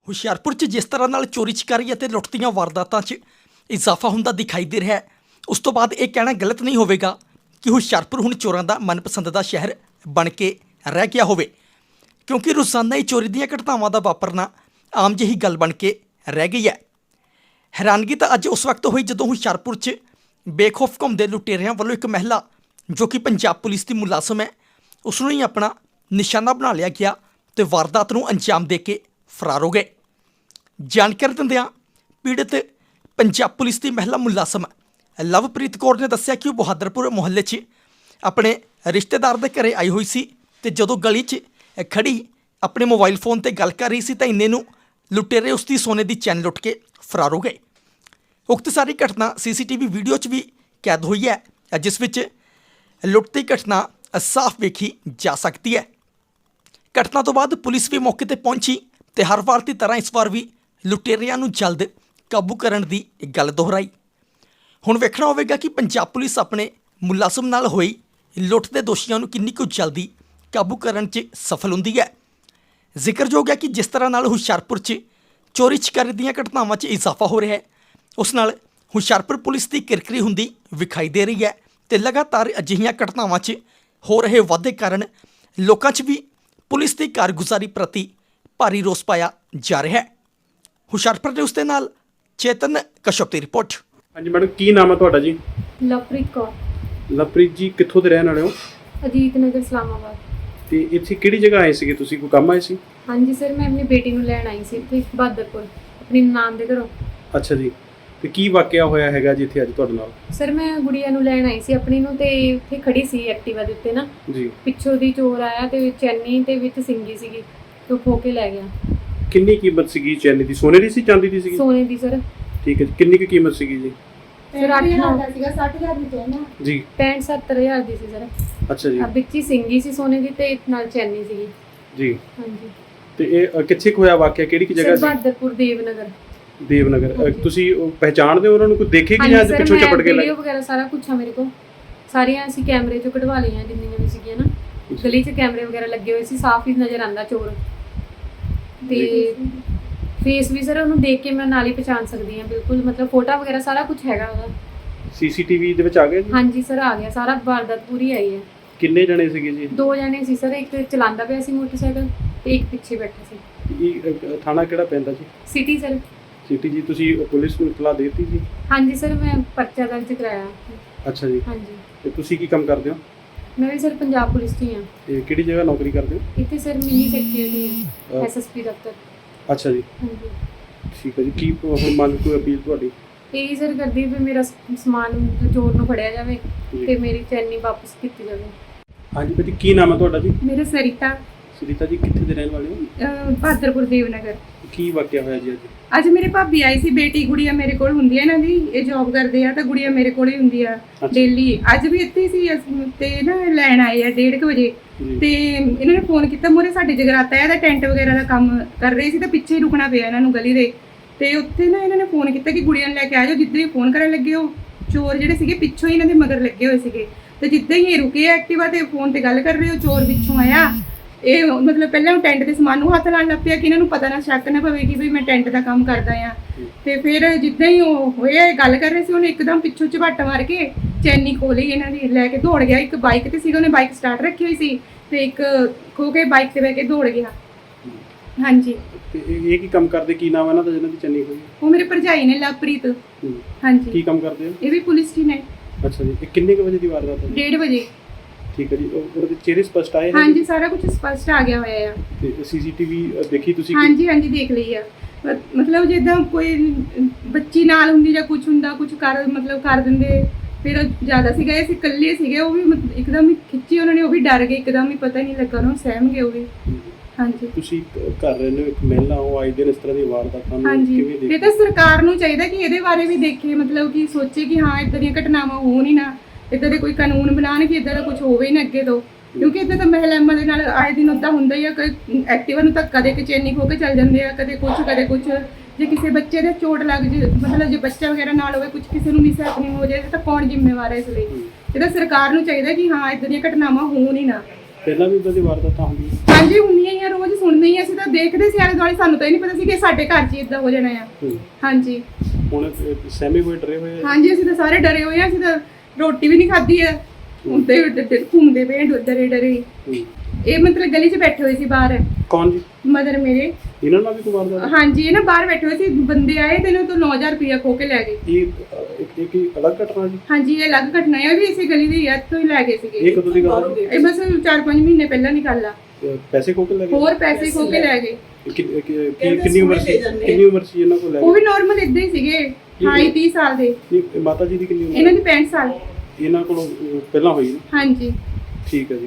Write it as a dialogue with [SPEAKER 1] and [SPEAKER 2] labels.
[SPEAKER 1] ਹੁਸ਼ਿਆਰਪੁਰ 'ਚ ਜਿਸ ਤਰ੍ਹਾਂ ਨਾਲ ਚੋਰੀ ਚਕਾਰੀ ਅਤੇ ਲੁੱਟ ਦੀਆਂ ਵਾਰਦਾਤਾਂ 'ਚ ਇਜ਼ਾਫਾ ਹੁੰਦਾ ਦਿਖਾਈ ਦੇ ਰਿਹਾ ਹੈ, ਉਸ ਤੋਂ ਬਾਅਦ ਇਹ ਕਹਿਣਾ ਗਲਤ ਨਹੀਂ ਹੋਵੇਗਾ ਕਿ ਹੁਸ਼ਿਆਰਪੁਰ ਹੁਣ ਚੋਰਾਂ ਦਾ ਮਨਪਸੰਦ ਦਾ ਸ਼ਹਿਰ ਬਣ ਕੇ ਰਹਿ ਗਿਆ ਹੋਵੇ, ਕਿਉਂਕਿ ਰੋਜ਼ਾਨਾ ਹੀ ਚੋਰੀ ਦੀਆਂ ਘਟਨਾਵਾਂ ਦਾ ਵਾਪਰਨਾ ਆਮ ਜਿਹੀ ਗੱਲ ਬਣ ਕੇ ਰਹਿ ਗਈ ਹੈ। ਹੈਰਾਨਗੀ ਤਾਂ ਅੱਜ ਉਸ ਵਕਤ ਹੋਈ ਜਦੋਂ ਹੁਸ਼ਿਆਰਪੁਰ 'ਚ ਬੇਖੌਫ ਘੁੰਮਦੇ ਲੁਟੇਰਿਆਂ ਵੱਲੋਂ ਇੱਕ ਮਹਿਲਾ ਜੋ ਕਿ ਪੰਜਾਬ ਪੁਲਿਸ ਦੀ ਮੁਲਾਜ਼ਮ ਹੈ, ਉਸ ਨੂੰ ਹੀ ਆਪਣਾ ਨਿਸ਼ਾਨਾ ਬਣਾ ਲਿਆ ਗਿਆ ਤੇ ਵਾਰਦਾਤ ਨੂੰ ਅੰਜਾਮ ਦੇ ਕੇ ਫਰਾਰ ਹੋ ਗਏ। ਜਾਣਕਾਰੀ ਦਿੰਦਿਆਂ ਪੀੜਤ ਪੰਜਾਬ ਪੁਲਿਸ ਦੀ ਮਹਿਲਾ ਮੁਲਾਜ਼ਮ ਲਵਪ੍ਰੀਤ ਕੌਰ ਨੇ ਦੱਸਿਆ ਕਿ ਉਹ ਬਹਾਦਰਪੁਰ ਮੁਹੱਲੇ 'ਚ ਆਪਣੇ ਰਿਸ਼ਤੇਦਾਰ ਦੇ ਘਰੇ ਆਈ ਹੋਈ ਸੀ ਤੇ ਜਦੋਂ ਗਲੀ 'ਚ ਖੜੀ ਆਪਣੇ ਮੋਬਾਈਲ ਫੋਨ ਤੇ ਗੱਲ ਕਰ ਰਹੀ ਸੀ ਤਾਂ ਇੰਨੇ ਨੂੰ ਲੁਟੇਰੇ ਉਸ ਦੀ ਸੋਨੇ ਦੀ ਚੈਨ ਲੁੱਟ ਕੇ ਫਰਾਰ ਹੋ ਗਏ। ਉਕਤ ਸਾਰੀ ਘਟਨਾ ਸੀਸੀਟੀਵੀ ਵੀਡੀਓ 'ਚ ਵੀ ਕੈਦ ਹੋਈ ਹੈ, ਜਿਸ ਵਿੱਚ ਲੁੱਟ ਦੀ ਘਟਨਾ ਸਾਫ਼ ਵੇਖੀ ਜਾ ਸਕਦੀ ਹੈ। ਘਟਨਾ ਤੋਂ ਬਾਅਦ ਪੁਲਿਸ ਵੀ ਮੌਕੇ ਤੇ ਪਹੁੰਚੀ ਤੇ ਹਰ ਵਾਰ ਦੀ ਤਰ੍ਹਾਂ ਇਸ ਵਾਰ ਵੀ ਲੁਟੇਰਿਆਂ ਨੂੰ ਜਲਦ ਕਾਬੂ ਕਰਨ ਦੀ ਗੱਲ ਦੁਹਰਾਈ। ਹੁਣ ਵੇਖਣਾ ਹੋਵੇਗਾ ਕਿ ਪੰਜਾਬ ਪੁਲਿਸ ਆਪਣੇ ਮੁਲਾਜ਼ਮ ਨਾਲ ਹੋਈ ਲੁੱਟ ਦੇ ਦੋਸ਼ੀਆਂ ਨੂੰ ਕਿੰਨੀ ਕੁ ਜਲਦੀ ਕਾਬੂ ਕਰਨ 'ਚ ਸਫਲ ਹੁੰਦੀ ਹੈ। ਜ਼ਿਕਰਯੋਗ ਹੈ ਕਿ ਜਿਸ ਤਰ੍ਹਾਂ ਨਾਲ ਹੁਸ਼ਿਆਰਪੁਰ 'ਚ ਚੋਰੀ ਚਕਾਰੀ ਦੀਆਂ ਘਟਨਾਵਾਂ 'ਚ ਇਜ਼ਾਫਾ ਹੋ ਰਿਹਾ ਹੈ, ਉਸ ਨਾਲ ਹੁਸ਼ਿਆਰਪੁਰ ਪੁਲਿਸ ਦੀ ਕਿਰਕਰੀ ਹੁੰਦੀ ਵਿਖਾਈ ਦੇ ਰਹੀ ਹੈ ਤੇ ਲਗਾਤਾਰ ਅਜਿਹੀਆਂ ਘਟਨਾਵਾਂ 'ਚ ਹੋ ਰਹੇ ਵਾਧੇ ਕਾਰਨ ਲੋਕਾਂ 'ਚ ਵੀ ਪੁਲਿਸ ਦੀ ਕਾਰਗੁਜ਼ਾਰੀ ਪ੍ਰਤੀ ਭਾਰੀ ਰੋਸ ਪਾਇਆ ਜਾ ਰਿਹਾ ਹੈ। ਹੁਸ਼ਿਆਰਪੁਰ ਦੇ ਉਸ ਦੇ ਨਾਲ ਚੇਤਨ ਕਸ਼ਪ ਦੀ ਰਿਪੋਰਟ।
[SPEAKER 2] ਹਾਂਜੀ ਮੈਡਮ, ਕੀ ਨਾਮ ਹੈ ਤੁਹਾਡਾ ਜੀ?
[SPEAKER 3] ਲਵਪ੍ਰੀਤ ਕੌਰ।
[SPEAKER 2] ਲਵਪ੍ਰੀਤ ਜੀ ਕਿੱਥੋਂ ਦੇ ਰਹਿਣ ਵਾਲੇ ਹੋ?
[SPEAKER 3] ਅਜੀਤ ਨਗਰ ਇਸਲਾਮਾਬਾਦ।
[SPEAKER 2] ਤੇ ਇੱਥੇ ਕਿਹੜੀ ਜਗ੍ਹਾ ਆਏ ਸੀਗੇ ਤੁਸੀਂ? ਕੋਈ ਕੰਮ ਆਏ ਸੀ?
[SPEAKER 3] ਹਾਂਜੀ ਸਰ, ਮੈਂ ਆਪਣੀ ਬੇਟੀ ਨੂੰ ਲੈਣ ਆਈ ਸੀ ਇੱਥੇ ਬਹਾਦਰਪੁਰ ਆਪਣੀ ਨਾਨ ਦੇ ਘਰੋਂ।
[SPEAKER 2] ਅੱਛਾ ਜੀ, ਤੇ ਕੀ ਵਾਕਿਆ ਹੋਇਆ ਹੈਗਾ ਜੀ ਇੱਥੇ ਅੱਜ ਤੁਹਾਡੇ ਨਾਲ?
[SPEAKER 3] ਸਰ ਮੈਂ ਗੁੜੀਆ ਨੂੰ ਲੈਣ ਆਈ ਸੀ ਆਪਣੀ ਨੂੰ ਤੇ ਉੱਥੇ ਖੜੀ ਸੀ ਐਕਟਿਵਾ ਦੇ ਉੱਤੇ ਨਾ,
[SPEAKER 2] ਜੀ
[SPEAKER 3] ਪਿੱਛੋਂ ਦੀ ਚੋਰ ਆਇਆ ਤੇ ਚੈਨੀ ਤੇ ਵਿੱਚ ਸਿੰਗੀ ਸੀਗੀ ਤੇ ਖੋ ਕੇ ਲੈ ਗਿਆ।
[SPEAKER 2] ਕਿੰਨੀ ਕੀਮਤ ਸੀਗੀ ਚੈਨੀ ਦੀ? ਸੋਨੇ ਦੀ ਸੀ, ਚਾਂਦੀ ਦੀ ਸੀਗੀ?
[SPEAKER 3] ਸੋਨੇ ਦੀ ਸਰ।
[SPEAKER 2] ਠੀਕ ਹੈ ਜੀ, ਕਿੰਨੀ ਕੁ ਕੀਮਤ ਸੀਗੀ ਜੀ?
[SPEAKER 3] ਸਰ 8-9
[SPEAKER 4] ਸੀਗਾ 60,000 ਦੀ ਚੈਨ ਆ
[SPEAKER 2] ਜੀ।
[SPEAKER 3] 65-70,000 ਦੀ ਸੀ ਸਰ।
[SPEAKER 2] ਅੱਛਾ ਜੀ।
[SPEAKER 3] ਵਿੱਚ ਹੀ ਸਿੰਗੀ ਸੀ ਸੋਨੇ ਦੀ ਤੇ ਨਾਲ ਚੈਨੀ ਸੀਗੀ
[SPEAKER 2] ਜੀ।
[SPEAKER 3] ਹਾਂਜੀ।
[SPEAKER 2] ਤੇ ਇਹ ਕਿੱਥੇ ਕੁ ਹੋਇਆ ਵਾਕਿਆ? ਕਿਹੜੀ ਕਿ ਜਗ੍ਹਾ
[SPEAKER 3] ਸਰ
[SPEAKER 2] ਸੀ?
[SPEAKER 3] ਬਹਾਦਰਪੁਰ ਦੇਵਨਗਰ।
[SPEAKER 2] ਦੇਵਨਗਰ।
[SPEAKER 3] ਹਾਂਜੀ।
[SPEAKER 2] ਤੁਸੀਂ ਉਹ ਪਹਿਚਾਣਦੇ ਹੋ ਉਹਨਾਂ ਨੂੰ? ਕੋਈ ਦੇਖੇ ਕਿ ਜਾਂ
[SPEAKER 3] ਹਾਂਜੀ ਸਰ,
[SPEAKER 2] ਪਿੱਛੋਂ ਚਪਟ ਕੇ
[SPEAKER 3] ਵੀਡੀਓ ਵਗੈਰਾ ਸਾਰਾ ਕੁਝ ਆ ਮੇਰੇ ਕੋਲ, ਸਾਰੀਆਂ ਅਸੀਂ ਕੈਮਰੇ 'ਚੋਂ ਕਢਵਾ ਲਈਆਂ ਜਿੰਨੀਆਂ ਵੀ ਸੀਗੀਆਂ ਨਾ। ਗਲੀ 'ਚ ਕੈਮਰੇ ਵਗੈਰਾ ਲੱਗੇ ਹੋਏ ਸੀ, ਸਾਫ਼ ਹੀ ਨਜ਼ਰ ਆਉਂਦਾ ਚੋਰ। ਤੇ ਫੇਸ ਵੀ ਸਰ ਉਹਨੂੰ ਦੇਖ ਕੇ ਮੈਂ ਨਾਲ ਹੀ ਪਛਾਣ ਸਕਦੀ ਹਾਂ ਬਿਲਕੁਲ, ਮਤਲਬ ਫੋਟੋ ਵਗੈਰਾ ਸਾਰਾ ਕੁਝ ਹੈਗਾ ਉਹਦਾ।
[SPEAKER 2] ਸੀਸੀਟੀਵੀ ਦੇ ਵਿੱਚ ਆ ਗਿਆ ਜੀ?
[SPEAKER 3] ਹਾਂਜੀ ਸਰ, ਆ ਗਿਆ ਸਾਰਾ, ਵਾਰਦਾਤ ਪੂਰੀ ਆਈ ਹੈ।
[SPEAKER 2] ਕਿੰਨੇ ਜਣੇ ਸੀਗੇ ਜੀ?
[SPEAKER 3] 2 ਜਣੇ ਸੀ ਸਰ, ਇੱਕ ਚਲਾਉਂਦਾ ਪਿਆ ਸੀ ਮੋਟਰਸਾਈਕਲ ਤੇ ਇੱਕ ਪਿੱਛੇ ਬੈਠਾ ਸੀ।
[SPEAKER 2] ਇਹ ਥਾਣਾ ਕਿਹੜਾ ਪੈਂਦਾ ਜੀ?
[SPEAKER 3] City sir.
[SPEAKER 2] ਸਿਟੀ ਜੀ। ਤੁਸੀਂ ਪੁਲਿਸ ਨੂੰ ਇਤਲਾਹ ਦੇਤੀ ਜੀ?
[SPEAKER 3] ਹਾਂਜੀ ਸਰ, ਮੈਂ ਪਰਚਾ ਦਰਜ ਕਰਾਇਆ।
[SPEAKER 2] ਅੱਛਾ ਜੀ।
[SPEAKER 3] ਹਾਂਜੀ।
[SPEAKER 2] ਤੇ ਤੁਸੀਂ ਕੀ ਕੰਮ ਕਰਦੇ ਹੋ?
[SPEAKER 3] ਮੈਂ ਵੀ ਸਰ ਪੰਜਾਬ ਪੁਲਿਸ 'ਚ ਹੀ ਹਾਂ।
[SPEAKER 2] ਤੇ ਕਿਹੜੀ ਜਗ੍ਹਾ ਨੌਕਰੀ ਕਰਦੇ ਹੋ?
[SPEAKER 3] ਇੱਥੇ ਸਰ ਮਿੰਨੀ ਸੈਕਟਰੀ ਹੈ, ਐਸਐਸਪੀ ਦਫ਼ਤਰ।
[SPEAKER 2] ਅੱਛਾ ਜੀ,
[SPEAKER 3] ਹਾਂਜੀ।
[SPEAKER 2] ਠੀਕ ਹੈ ਜੀ। ਕੀ ਹੁਣ ਮੰਗ ਕੋਈ ਅਪੀਲ ਤੁਹਾਡੀ?
[SPEAKER 3] ਇਹੀ ਸਰ ਕਰਦੀ ਵੀ ਮੇਰਾ ਸਮਾਨ ਚੋਰ ਨੂੰ ਫੜਿਆ ਜਾਵੇ
[SPEAKER 2] ਜੀ।
[SPEAKER 3] ਤੇ ਮੇਰੀ ਚੈਨੀ ਵਾਪਸ ਕੀਤੀ ਜਾਵੇ।
[SPEAKER 2] ਹਾਂਜੀ ਭਾਜੀ, ਕੀ ਨਾਮ ਹੈ ਤੁਹਾਡਾ ਜੀ?
[SPEAKER 4] ਮੇਰੇ ਸਰਿਤਾ
[SPEAKER 2] ਸੁਨੀਤਾ ਜੀ, ਕਿੱਥੇ ਦੇ ਰਹਿਣ ਵਾਲੇ ਹੋ?
[SPEAKER 4] ਬਹਾਦਰਪੁਰ ਦੇਵਨਗਰ।
[SPEAKER 2] ਕੀ ਵਾਕਿਆ ਹੋਇਆ ਜੀ ਅੱਜ?
[SPEAKER 4] ਅੱਜ ਮੇਰੇ ਭਾਬੀ ਆਈ ਸੀ, ਬੇਟੀ ਗੁੜੀਆ ਮੇਰੇ ਕੋਲ ਹੁੰਦੀ ਹੈ ਇਹਨਾਂ ਦੀ, ਇਹ ਜੌਬ ਕਰਦੇ ਆ ਤਾਂ ਗੁੜੀਆ ਮੇਰੇ ਕੋਲ ਹੀ ਹੁੰਦੀ ਆ ਡੇਲੀ। ਅੱਜ ਵੀ ਇੱਥੇ ਸੀ ਤੇ ਨਾ ਲੈਣ ਆਏ ਆ 1:30 ਵਜੇ
[SPEAKER 2] ਜੀ।
[SPEAKER 4] ਤੇ ਇਹਨਾਂ ਨੇ ਫੋਨ ਕੀਤਾ, ਮੂਹਰੇ ਸਾਡੇ ਜਗਰਾਤਾ ਹੈ, ਇਹਦਾ ਟੈਂਟ ਵਗੈਰਾ ਦਾ ਕੰਮ ਕਰ ਰਹੇ ਸੀ ਤਾਂ ਪਿੱਛੇ ਹੀ ਰੁਕਣਾ ਪਿਆ ਇਹਨਾਂ ਨੂੰ ਗਲੀ ਦੇ। ਤੇ ਉੱਥੇ ਨਾ ਇਹਨਾਂ ਨੇ ਫੋਨ ਕੀਤਾ ਕਿ ਗੁੜੀਆ ਨੂੰ ਲੈ ਕੇ ਆ ਜਾਓ। ਜਿੱਦਾਂ ਹੀ ਫੋਨ ਕਰਨ ਲੱਗੇ, ਉਹ ਚੋਰ ਜਿਹੜੇ ਸੀਗੇ ਪਿੱਛੋਂ ਹੀ ਇਹਨਾਂ ਦੇ ਮਗਰ ਲੱਗੇ ਹੋਏ ਸੀਗੇ ਤੇ ਜਿੱਦਾਂ ਹੀ ਇਹ ਰੁਕੇ ਐਕਟਿਵਾ ਤੇ ਫੋਨ ਤੇ ਗੱਲ ਕਰ ਰਹੇ, ਉਹ ਚੋਰ ਪਿੱਛੋਂ ਆਇਆ। ਇਹ ਮਤਲਬ ਪਹਿਲਾਂ ਉਹ ਟੈਂਟ ਦੇ ਸਮਾਨ ਨੂੰ ਹੱਥ ਲਾਉਣ ਲੱਗ ਪਿਆ ਕਿ ਇਹਨਾਂ ਨੂੰ ਪਤਾ ਨਾ ਸ਼ੱਕ ਨਾ ਪਵੇ ਕਿ ਵੀ ਮੈਂ ਟੈਂਟ ਦਾ ਕੰਮ ਕਰਦਾ ਆ। ਤੇ ਫਿਰ ਜਿੱਦਾਂ ਹੀ ਉਹ ਹੋਇਆ ਗੱਲ ਕਰ ਰਹੇ ਸੀ, ਉਹਨੇ ਇੱਕਦਮ ਪਿੱਛੋਂ ਝਪੱਟ ਮਾਰ ਕੇ ਚੈਨੀ ਖੋਲੀ ਇਹਨਾਂ ਦੀ, ਲੈ ਕੇ ਦੌੜ ਗਿਆ। ਇੱਕ ਬਾਈਕ ਤੇ ਸੀਗਾ, ਉਹਨੇ ਬਾਈਕ ਸਟਾਰਟ ਰੱਖੀ ਹੋਈ ਸੀ ਤੇ ਇੱਕ ਖੋ ਕੇ ਬਾਈਕ ਤੇ ਬਹਿ ਕੇ ਦੌੜ ਗਿਆ। ਹਾਂਜੀ।
[SPEAKER 2] ਤੇ ਇਹ ਕੀ ਕੰਮ ਕਰਦੇ? ਕੀ ਨਾਮ ਹੈ ਇਹਨਾਂ ਦਾ ਜਿਹਨਾਂ ਦੀ ਚੰਨੀ ਹੋਈ?
[SPEAKER 4] ਉਹ ਮੇਰੇ ਭਰਜਾਈ ਨੇ, ਲਵਪ੍ਰੀਤ। ਹਾਂਜੀ।
[SPEAKER 2] ਕੀ ਕੰਮ ਕਰਦੇ ਹੋ?
[SPEAKER 4] ਇਹ ਵੀ ਪੁਲਿਸ 'ਚ ਨੇ।
[SPEAKER 2] ਅੱਛਾ ਜੀ। ਇਹ ਕਿੰਨੇ ਕੁ ਵਜੇ ਦੀ ਵਾਰਦਾਤ ਹੈ?
[SPEAKER 4] 1:30 ਵਜੇ।
[SPEAKER 2] ਠੀਕ ਹੈ ਜੀ। ਉਹਦੇ ਚਿਹਰੇ ਸਪਸ਼ਟ ਆਏ ਨੇ?
[SPEAKER 4] ਹਾਂਜੀ, ਸਾਰਾ ਕੁਝ ਸਪਸ਼ਟ ਆ ਗਿਆ ਹੋਇਆ ਆ।
[SPEAKER 2] ਤੇ ਸੀਸੀਟੀਵੀ ਦੇਖੀ ਤੁਸੀਂ?
[SPEAKER 4] ਹਾਂਜੀ ਹਾਂਜੀ, ਦੇਖ ਲਈ ਆ। ਮਤਲਬ ਜਿੱਦਾਂ ਕੋਈ ਬੱਚੀ ਨਾਲ ਹੁੰਦੀ ਜਾਂ ਕੁਝ ਹੁੰਦਾ, ਕੁਝ ਕਰ ਮਤਲਬ ਕਰ ਦਿੰਦੇ। ਫਿਰ ਜ਼ਿਆਦਾ ਸੀਗਾ, ਇਹ ਇਕੱਲੇ ਸੀਗੇ, ਉਹ ਵੀ ਇੱਕਦਮ ਹੀ ਖਿੱਚੀ ਉਹਨਾਂ ਨੇ, ਉਹ ਵੀ ਡਰ ਗਏ ਇੱਕਦਮ ਹੀ, ਪਤਾ ਨਹੀਂ ਲੱਗਾ ਉਹਨਾਂ ਨੂੰ, ਸਹਿਮ ਗਏ ਉਹ ਵੀ। ਹਾਂਜੀ।
[SPEAKER 2] ਤੁਸੀਂ ਕਰ ਰਹੇ ਨੇ ਇੱਕ ਮਹਿਲਾ ਹੋ, ਆਏ ਦਿਨ ਇਸ ਤਰ੍ਹਾਂ ਦੀ ਵਾਰਦਾਤਾਂ ਨੂੰ
[SPEAKER 4] ਹਾਂਜੀ,
[SPEAKER 2] ਕਿਵੇਂ ਦੇਖਦੇ?
[SPEAKER 4] ਇਹ ਤਾਂ ਸਰਕਾਰ ਨੂੰ ਚਾਹੀਦਾ ਕਿ ਇਹਦੇ ਬਾਰੇ ਵੀ ਦੇਖੇ, ਮਤਲਬ ਕਿ ਸੋਚੇ ਕਿ ਹਾਂ ਇਦਾਂ ਦੀਆਂ ਘਟਨਾਵਾਂ ਹੋਣ ਹੀ ਨਾ, ਇਦਾਂ ਦੇ ਕੋਈ ਕਾਨੂੰਨ ਬਣਾਉਣ ਕਿ ਇਦਾਂ ਦਾ ਕੁਝ ਹੋਵੇ ਹੀ ਨਾ ਅੱਗੇ ਤੋਂ। ਕਿਉਂਕਿ ਇਦਾਂ ਤਾਂ ਮਹਿਲਾਵਾਂ ਦੇ ਨਾਲ ਆਏ ਦਿਨ ਉੱਦਾਂ ਹੁੰਦਾ ਹੀ ਆ। ਐਕਟਿਵਾ ਨੂੰ ਤਾਂ ਕਦੇ ਕਿ ਚੈਨੀ ਖੋ ਕੇ ਚੱਲ ਜਾਂਦੇ ਆ, ਕਦੇ ਕੁਝ ਕਦੇ ਕੁਝ। ਜੇ ਕਿਸੇ ਬੱਚੇ ਦੇ ਚੋਟ ਲੱਗ ਜੇ, ਮਤਲਬ ਜੇ ਬੱਚਾ ਵਗੈਰਾ ਨਾਲ ਹੋਵੇ, ਕੁਝ ਕਿਸੇ ਨੂੰ ਮਿਸ ਹੈਪਨਿੰਗ ਹੋ ਜਾਏ ਤਾਂ ਕੌਣ ਜ਼ਿੰਮੇਵਾਰ ਹੈ ਇਸ ਲਈ? ਇਹ ਤਾਂ ਸਰਕਾਰ ਨੂੰ ਚਾਹੀਦਾ ਕਿ ਹਾਂ ਇਦਾਂ ਦੀਆਂ ਘਟਨਾਵਾਂ ਹੋਣ ਹੀ ਨਾ।
[SPEAKER 2] ਪਹਿਲਾਂ ਵੀ ਇਦਾਂ ਦੀ ਵਾਰਦਾਤਾਂ ਹੁੰਦੀਆਂ?
[SPEAKER 4] ਹਾਂਜੀ ਹੁੰਦੀਆਂ ਹੀ ਆ, ਰੋਜ਼ ਸੁਣਦੇ ਹੀ ਆ, ਅਸੀਂ ਤਾਂ ਦੇਖਦੇ ਸੀ ਆਲੇ ਦੁਆਲੇ, ਸਾਨੂੰ ਤਾਂ ਇਹ ਨਹੀਂ ਪਤਾ ਸੀ ਕਿ ਸਾਡੇ ਘਰ 'ਚ ਇਦਾਂ ਹੋ ਜਾਣਾ ਆ।
[SPEAKER 2] ਹੂੰ।
[SPEAKER 4] ਹਾਂਜੀ
[SPEAKER 2] ਹੁਣ ਸਹਿਮੇ ਹੋਏ ਡਰੇ ਹੋਏ ਆ?
[SPEAKER 4] ਹਾਂਜੀ ਅਸੀਂ ਤਾਂ ਸਾਰੇ ਡਰੇ ਹੋਏ ਆ, ਅਸੀਂ ਤਾਂ ਰੋਟੀ ਵੀ ਨਹੀਂ ਖਾਧੀ ਆ, ਹੁੰਦੇ ਘੁੰਮਦੇ ਪਏ ਡਰੇ ਡਰੇ।
[SPEAKER 2] ਹੂੰ।
[SPEAKER 4] ਇਹ ਮਤਲਬ ਗਲੀ 'ਚ ਬੈਠੇ ਹੋਏ ਸੀ ਬਾਹਰ,
[SPEAKER 2] ਕੌਣ ਜੀ?
[SPEAKER 4] ਮਦਰ ਮੇਰੇ।
[SPEAKER 2] ਇਹਨਾਂ ਨਾਲ ਵੀ ਕੋਈ ਵਾਰਦਾਤ?
[SPEAKER 4] ਹਾਂਜੀ ਇਹ ਨਾ ਬਾਹਰ ਬੈਠੇ ਹੋਏ ਸੀ, ਬੰਦੇ ਆਏ ਤੇ ਇਹਨਾਂ ਤੋਂ 9000 ਰੁਪਇਆ ਖੋ ਕੇ ਲੈ ਗਏ।
[SPEAKER 2] ਇਹ ਕੀ ਅਲੱਗ ਘਟਨਾ ਜੀ?
[SPEAKER 4] ਹਾਂਜੀ ਇਹ ਅਲੱਗ ਘਟਨਾ ਹੈ, ਉਹ ਵੀ ਇਸੇ ਗਲੀ ਦੀ ਯਾਦ ਤੋਂ ਹੀ ਲੈ ਗਏ ਸੀਗੇ।
[SPEAKER 2] ਇਹ ਕਦੋਂ ਦੀ ਗੱਲ ਹੈ?
[SPEAKER 4] ਇਹ ਬਸ 4-5 ਮਹੀਨੇ ਪਹਿਲਾਂ ਦੀ ਗੱਲ ਆ।
[SPEAKER 2] ਪੈਸੇ ਖੋ ਕੇ ਲੈ ਗਏ?
[SPEAKER 4] ਹੋਰ ਪੈਸੇ ਖੋ ਕੇ ਲੈ ਗਏ।
[SPEAKER 2] ਕਿੰਨੀ ਉਮਰ ਸੀ ਇਹਨਾਂ ਕੋਲ ਲੈ
[SPEAKER 4] ਉਹ
[SPEAKER 2] ਗਏ?
[SPEAKER 4] ਵੀ ਨਾਰਮਲ ਇਦਾਂ ਹੀ ਸੀਗੇ, 28-30 ਸਾਲ ਦੇ।
[SPEAKER 2] ਨਹੀਂ, ਮਾਤਾ ਜੀ ਦੀ ਕਿੰਨੀ ਉਮਰ?
[SPEAKER 4] ਇਹਨਾਂ ਦੀ 65 ਸਾਲ।
[SPEAKER 2] ਇਹਨਾਂ ਕੋਲੋਂ ਪਹਿਲਾਂ ਹੋਈ ਨਾ?
[SPEAKER 4] ਹਾਂਜੀ
[SPEAKER 2] ਠੀਕ ਹੈ ਜੀ।